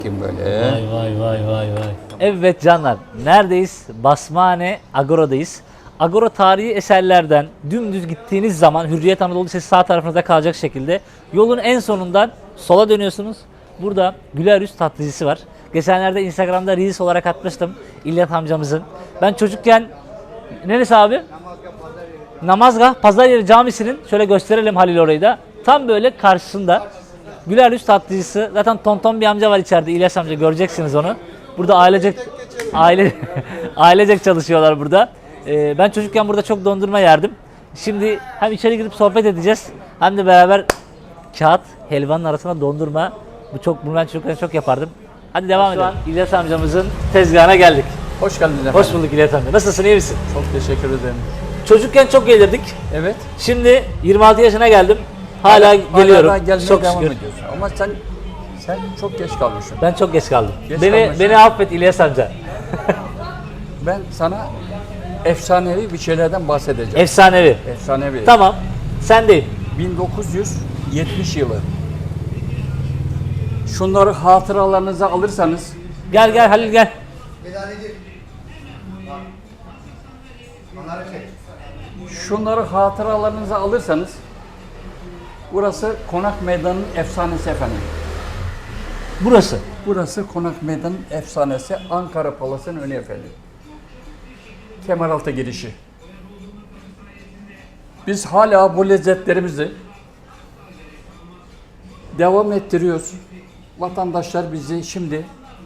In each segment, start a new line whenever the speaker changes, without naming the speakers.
Kim böyle?
Vay vay vay vay vay. Evet canlar, neredeyiz? Basmane Agora'dayız. Agora tarihi eserlerden dümdüz gittiğiniz zaman Hürriyet Anadolu Lisesi sağ tarafınızda kalacak şekilde yolun en sonundan sola dönüyorsunuz. Burada Güler Yüz tatlıcısı var. Geçenlerde Instagram'da Reels olarak atmıştım İlyas amcamızın. Ben çocukken, neresi abi? Namazgah Pazar Camisi'nin, şöyle gösterelim Halil orayı da. Tam böyle karşısında Güler Yüz tatlıcısı. Zaten tonton bir amca var içeride, İlyas amca, göreceksiniz onu. Burada ailecek çalışıyorlar burada. Ben çocukken burada çok dondurma yerdim. Şimdi hem içeri girip sohbet edeceğiz hem de beraber kağıt helvanın arasına dondurma. Bunu ben çocukken çok yapardım. Hadi devam edelim. İlyas amcamızın tezgahına geldik.
Hoş geldin efendim.
Hoş bulduk İlyas amca. Nasılsın, iyi misin?
Çok teşekkür ederim.
Çocukken çok gelirdik.
Evet.
Şimdi 26 yaşına geldim. Hala geliyorum.
Hala gelmeye
Çok
devam
şükür.
ediyorsun. Ama sen çok geç kalmışsın.
Ben çok geç kaldım.
Geç
beni
kalmışsın.
affet İlyas amca.
Ben sana efsanevi bir şeylerden bahsedeceğim.
Efsanevi.
Efsanevi.
Tamam. Sen değil.
1970 yılı. Şunları hatıralarınıza alırsanız
Gel Halil gel.
şunları hatıralarınıza alırsanız burası Konak Meydanı'nın efsanesi efendim.
Burası.
Burası Konak Meydanı'nın efsanesi, Ankara Palas'ın önü efendim. Kemeraltı girişi. Biz hala bu lezzetlerimizi devam ettiriyoruz. Vatandaşlar bizi şimdi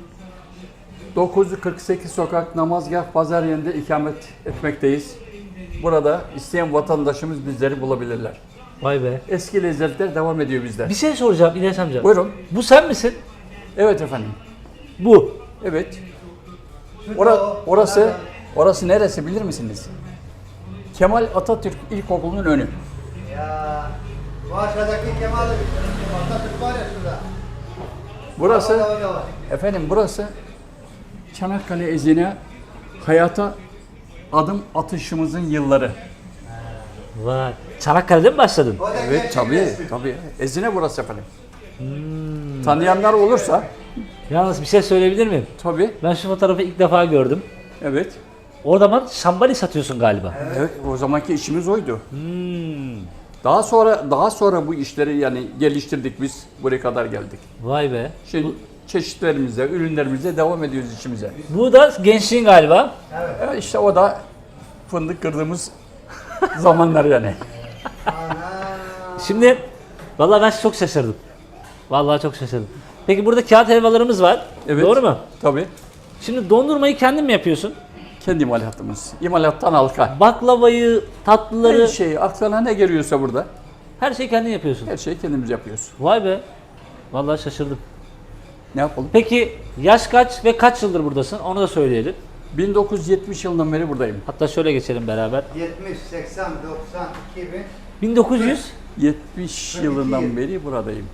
948 sokak Namazgah Pazar yerinde ikamet etmekteyiz. Burada isteyen vatandaşımız bizleri bulabilirler.
Vay be.
Eski lezzetler devam ediyor bizde.
Bir şey soracağım İlyas amca.
Buyurun.
Bu sen misin?
Evet efendim.
Bu.
Evet. Orası neresi bilir misiniz? Kemal Atatürk İlkokulu'nun önü.
Ya bu aşağıdaki Kemal Atatürk var ya şurada.
Burası,
Orada var.
efendim burası Çanakkale izine hayata adım atışımızın yılları.
Vay. Çanakkale'de mi başladın?
O da
Evet
gerçek
tabii,
resmi.
tabii. Ezine burası efendim. Tanıyanlar olursa
Yalnız bir şey söyleyebilir miyim?
tabii.
Ben şu fotoğrafı ilk defa gördüm.
Evet.
Orada bana şambali satıyorsun galiba.
Evet, o zamanki işimiz oydu. Daha sonra bu işleri yani geliştirdik biz, buraya kadar geldik.
Vay be.
Şimdi çeşitlerimize, ürünlerimize devam ediyoruz işimize.
Bu da gençliğin galiba.
Evet, işte o da fındık kırdığımız zamanlar yani.
Şimdi vallahi ben çok şaşırdım. Vallahi çok şaşırdım. Peki burada kağıt helvalarımız var.
Evet.
Doğru mu?
Tabii.
Şimdi dondurmayı kendin mi yapıyorsun?
Kendi imalatımız. İmalattan halka.
Baklavayı, tatlıları,
Her şey, aklına ne geliyorsa burada,
her şeyi kendin yapıyorsun.
her şeyi kendimiz yapıyoruz.
Vay be. Vallahi şaşırdım.
Ne yapalım?
Peki yaş kaç ve kaç yıldır buradasın? Onu da söyleyelim.
1970 yılından beri buradayım.
Hatta şöyle geçelim beraber.
70, 80, 90, 2000.
1900
70 yılından beri buradayım.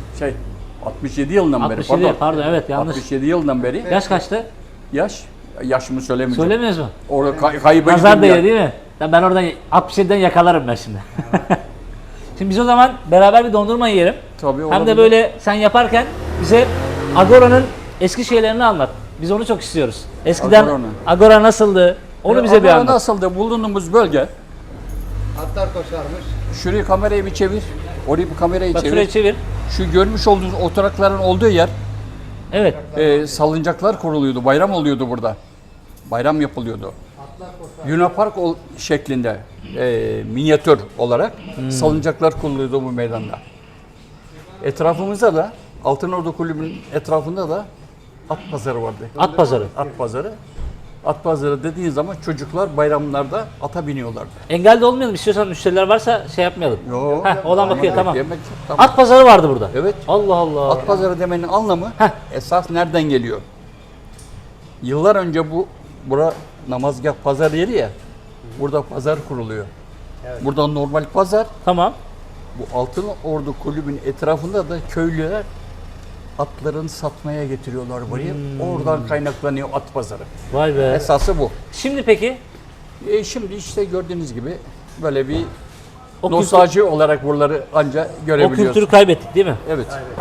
67 yılından beri
67 pardon evet yanlış.
67 yıldan beri.
Yaş kaçtı?
Yaşımı söylemeyeceğim.
Söylemiyoruz mu?
Orada kayba
Nazar
gittim ya.
değiyor değil mi? Ben oradan 67'den yakalarım ben şimdi. Şimdi biz o zaman beraber bir dondurma yiyelim.
Tabii,
Hem
olabilir.
de böyle sen yaparken bize Agora'nın eski şeylerini anlat. Biz onu çok istiyoruz. Eskiden
Agora'nın.
Agora nasıldı? Onu bize bir
Agora
anlat.
nasıldı? Bulunduğumuz bölge.
Atlar koşarmış.
Şurayı kamerayı bir çevir. Orayı bir kamerayı
Bak
çevir.
şuraya çevir.
Şu görmüş olduğunuz oturakların olduğu yer
Evet.
salıncaklar kuruluyordu. Bayram oluyordu burada. Bayram yapılıyordu. Luna Park şeklinde minyatür olarak salıncaklar kuruluyordu bu meydanda. Etrafımızda da Altınordu Kulübü'nün etrafında da at pazarı vardı.
At pazarı.
At pazarı. At pazarı dediğin zaman çocuklar bayramlarda ata biniyorlardı.
Engel de olmayalım. İstiyorsan müşteriler varsa şey yapmayalım.
Yo.
Heh, oğlan bakıyor tamam.
Yemek, tamam.
At pazarı vardı burada.
Evet.
Allah Allah.
At pazarı demenin anlamı esas nereden geliyor? Yıllar önce bura namazgah pazar yeri ya. Burada pazar kuruluyor. Burada normal pazar.
Tamam.
Bu Altınordu Kulübü'nün etrafında da köylüler atlarını satmaya getiriyorlar buraya. Oradan kaynaklanıyor at pazarı.
Vay be.
Esası bu.
Şimdi peki
Şimdi işte gördüğünüz gibi böyle bir
o,
nostalji olarak buraları anca
o
görebiliyoruz.
kültürü kaybettik değil mi?
Evet.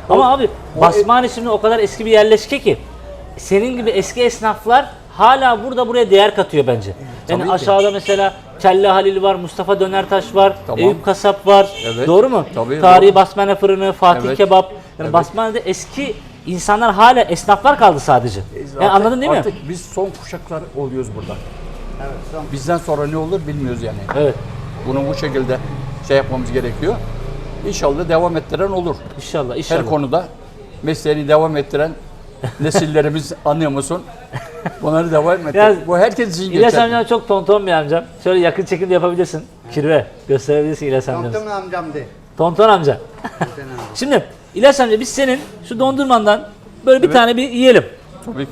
Ama abi Basmane şimdi o kadar eski bir yerleşke ki senin gibi eski esnaflar hala buraya değer katıyor bence. Yani
Tabii ki.
aşağıda mesela Kelle Halil var, Mustafa Dönertaş var,
Tamam.
Eyüp Kasap var.
Evet.
Doğru mu?
Tabii,
Tarihi
doğru.
Basmane Fırını, Fatih
Evet.
Kebap. Yani
Evet.
Basmane'de eski insanlar hala esnaflar kaldı sadece. Yani anladın değil mi?
Artık biz son kuşaklar oluyoruz burada. Bizden sonra ne olur bilmiyoruz yani.
Evet.
Bunu bu şekilde şey yapmamız gerekiyor. İnşallah devam ettiren olur.
İnşallah, inşallah.
Her konuda mesleğini devam ettiren nesillerimiz anlıyor musun? Bunları devam ettir.
Ya,
Bu herkes için
İlyas
geçerli.
amcam çok tonton bir amcam. Şöyle yakın çekim de yapabilirsin. Kirve gösterebilirsin İlyas amcamız.
Tonton amcam de.
Tonton amca. Şimdi İlyas amca biz senin şu dondurmandan böyle bir
Evet.
tane bir yiyelim.
Tabii ki.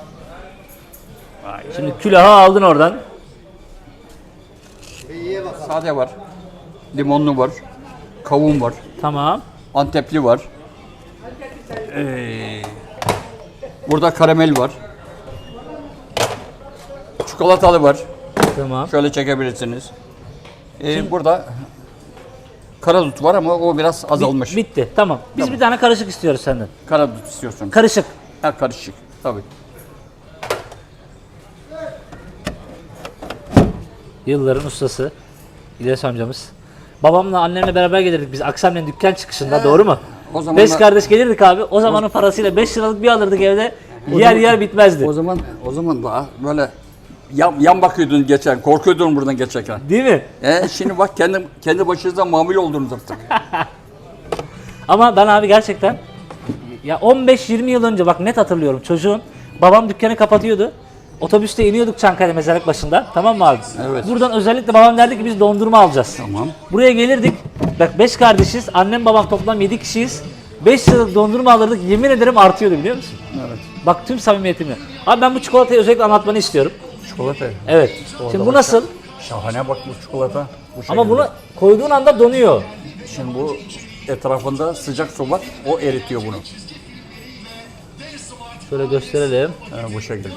Şimdi külahı aldın oradan.
Bir ye bakalım.
Sade var. Limonlu var. Kavun var.
Tamam.
Antepli var. Burada karamel var. Çikolatalı var.
Tamam.
Şöyle çekebilirsiniz. Burada karadut var ama o biraz azalmış.
Bitti. Tamam. Biz
Tamam.
bir tane karışık istiyoruz senden.
Karadut istiyorsun.
Karışık.
Ha, karışık. Tabii.
Yılların ustası İlyas amcamız. Babamla annemle beraber gelirdik biz akşamleyin dükkan çıkışında, doğru mu?
O zaman
5
da-
kardeş gelirdik abi. O zamanın parasıyla 5 liralık bir alırdık evde. Yer bitmezdi.
O zaman daha böyle yan bakıyordun geçen, korkuyordun buradan geçerken.
Değil mi?
Şimdi bak kendi başınıza mamul oldunuz artık.
Ama ben abi gerçekten ya 15-20 yıl önce bak net hatırlıyorum, çocuğun babam dükkanı kapatıyordu. Otobüste iniyorduk Çankaya mezarlık başında. Tamam mı abi?
Evet.
Buradan özellikle babam derdi ki biz dondurma alacağız.
Tamam.
Buraya gelirdik. Bak 5 kardeşiz. Annem babam toplam 7 kişiyiz. 5 liralık dondurma alırdık. Yemin ederim artıyordu, biliyor musun?
Evet.
Bak tüm samimiyetimle. Abi ben bu çikolatayı özellikle anlatmanı istiyorum.
Çikolata.
Evet. Şimdi bu nasıl?
Şahane bak bu çikolata. Bu
Ama
şekilde.
bunu koyduğun anda donuyor.
Şimdi bu etrafında sıcak su var. O eritiyor bunu.
Şöyle gösterelim.
Bu şekilde.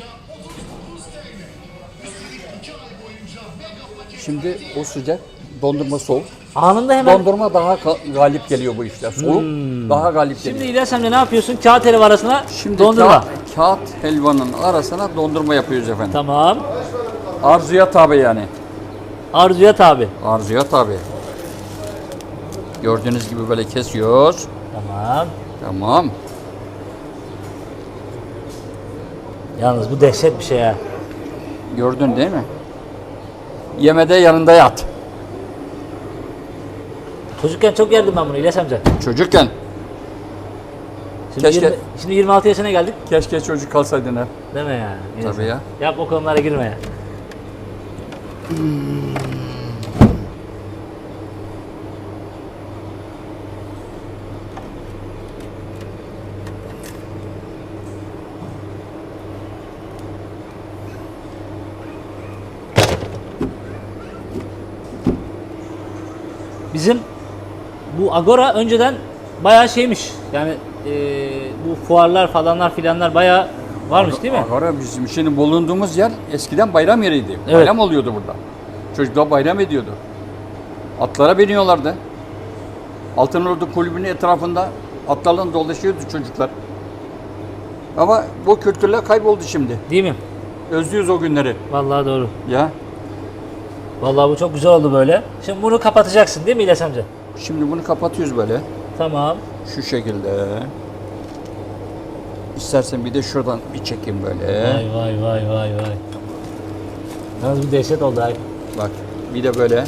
Şimdi o sıcak, dondurma soğuk.
Anında hemen.
Dondurma daha galip geliyor bu işte. Soğuk daha galip
Şimdi
geliyor.
İlyas amca ne yapıyorsun? Kağıt helva arasına
Şimdi
dondurma.
kağıt helvanın arasına dondurma yapıyoruz efendim.
Tamam.
Arzuya tabi yani.
Arzuya tabi.
Arzuya tabi. Gördüğünüz gibi böyle kesiyoruz.
Tamam.
Tamam.
Yalnız bu dehşet bir şey ha.
Gördün değil mi? Yemede yanında yat.
Çocukken çok yerdim ben bunu İlyas amca.
Çocukken
Şimdi,
Keşke-
şimdi 26 yaşına geldik.
keşke çocuk kalsaydın hep.
Deme ya. İlyas
Tabii
amca.
ya.
Yap o konulara girme ya. Bizim bu Agora önceden bayağı şeymiş. Yani bu fuarlar falanlar filanlar bayağı varmış değil mi?
Agora bizim şimdi bulunduğumuz yer eskiden bayram yeriydi.
Evet.
Bayram oluyordu burada. Çocuklar bayram ediyordu. Atlara biniyorlardı. Altınordu Kulübü'nün etrafında atlarla dolaşıyordu çocuklar. Ama bu kültürler kayboldu şimdi.
Değil mi?
Özlüyoruz o günleri.
Vallahi doğru.
Ya.
Vallahi bu çok güzel oldu böyle. Şimdi bunu kapatacaksın değil mi İlyas amca?
Şimdi bunu kapatıyoruz böyle.
Tamam.
Şu şekilde. İstersen bir de şuradan bir çekeyim böyle.
Vay. Yalnız bir dehşet oldu abi.
Bak. Bir de böyle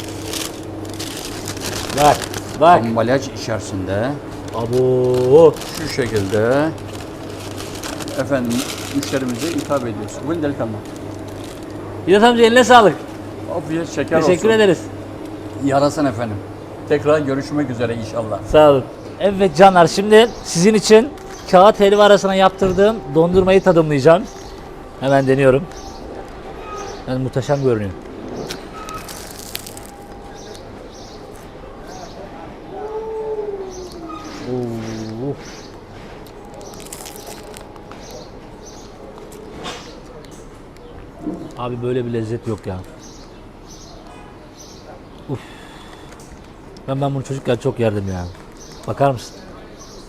Bak.
ambalaj içerisinde.
Abo.
Şu şekilde efendim müşterimize hitap ediyoruz. Buyurun delikanlı.
İlyas amca eline sağlık.
Afiyet şeker
Teşekkür
olsun.
ederiz.
Yarasın efendim. Tekrar görüşmek üzere inşallah.
Sağ olun. Evet canlar, şimdi sizin için kağıt helva arasına yaptırdığım dondurmayı tadımlayacağım. Hemen deniyorum. Yani muhteşem görünüyor. Oo. Abi böyle bir lezzet yok ya. Uf. Ben bunu çocukken çok yerdim ya. Bakar mısın?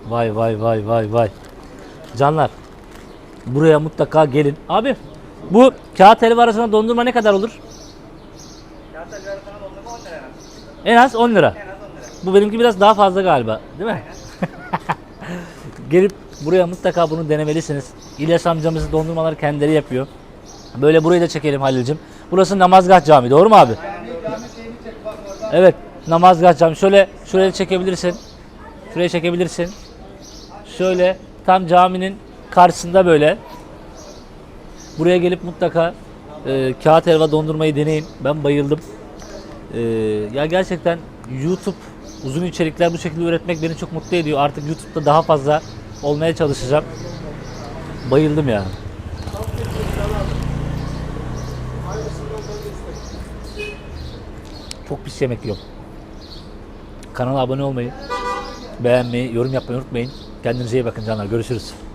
Vay vay vay vay vay. Canlar, buraya mutlaka gelin. Abi, bu kağıt helva arasında dondurma ne kadar olur?
Kağıt arasına dondurma 10 lira.
En az 10 lira.
En az 10 lira.
Bu benimki biraz daha fazla galiba, değil mi? Gelip buraya mutlaka bunu denemelisiniz. İlyas amcamızın dondurmaları kendileri yapıyor. Böyle burayı da çekelim Halil'cim. Burası Namazgah Camii, doğru mu abi?
Cami şeyini çek bak oradan.
Evet, Namazgah Camii. Şöyle şuraya çekebilirsin. Şuraya çekebilirsin. Şöyle tam caminin karşısında böyle. Buraya gelip mutlaka kağıt helva dondurmayı deneyin. Ben bayıldım. Ya gerçekten YouTube uzun içerikler bu şekilde üretmek beni çok mutlu ediyor. Artık YouTube'da daha fazla olmaya çalışacağım. Bayıldım ya. Çok pis yemek yiyorum. Kanala abone olmayı, beğenmeyi, yorum yapmayı unutmayın. Kendinize iyi bakın canlar. Görüşürüz.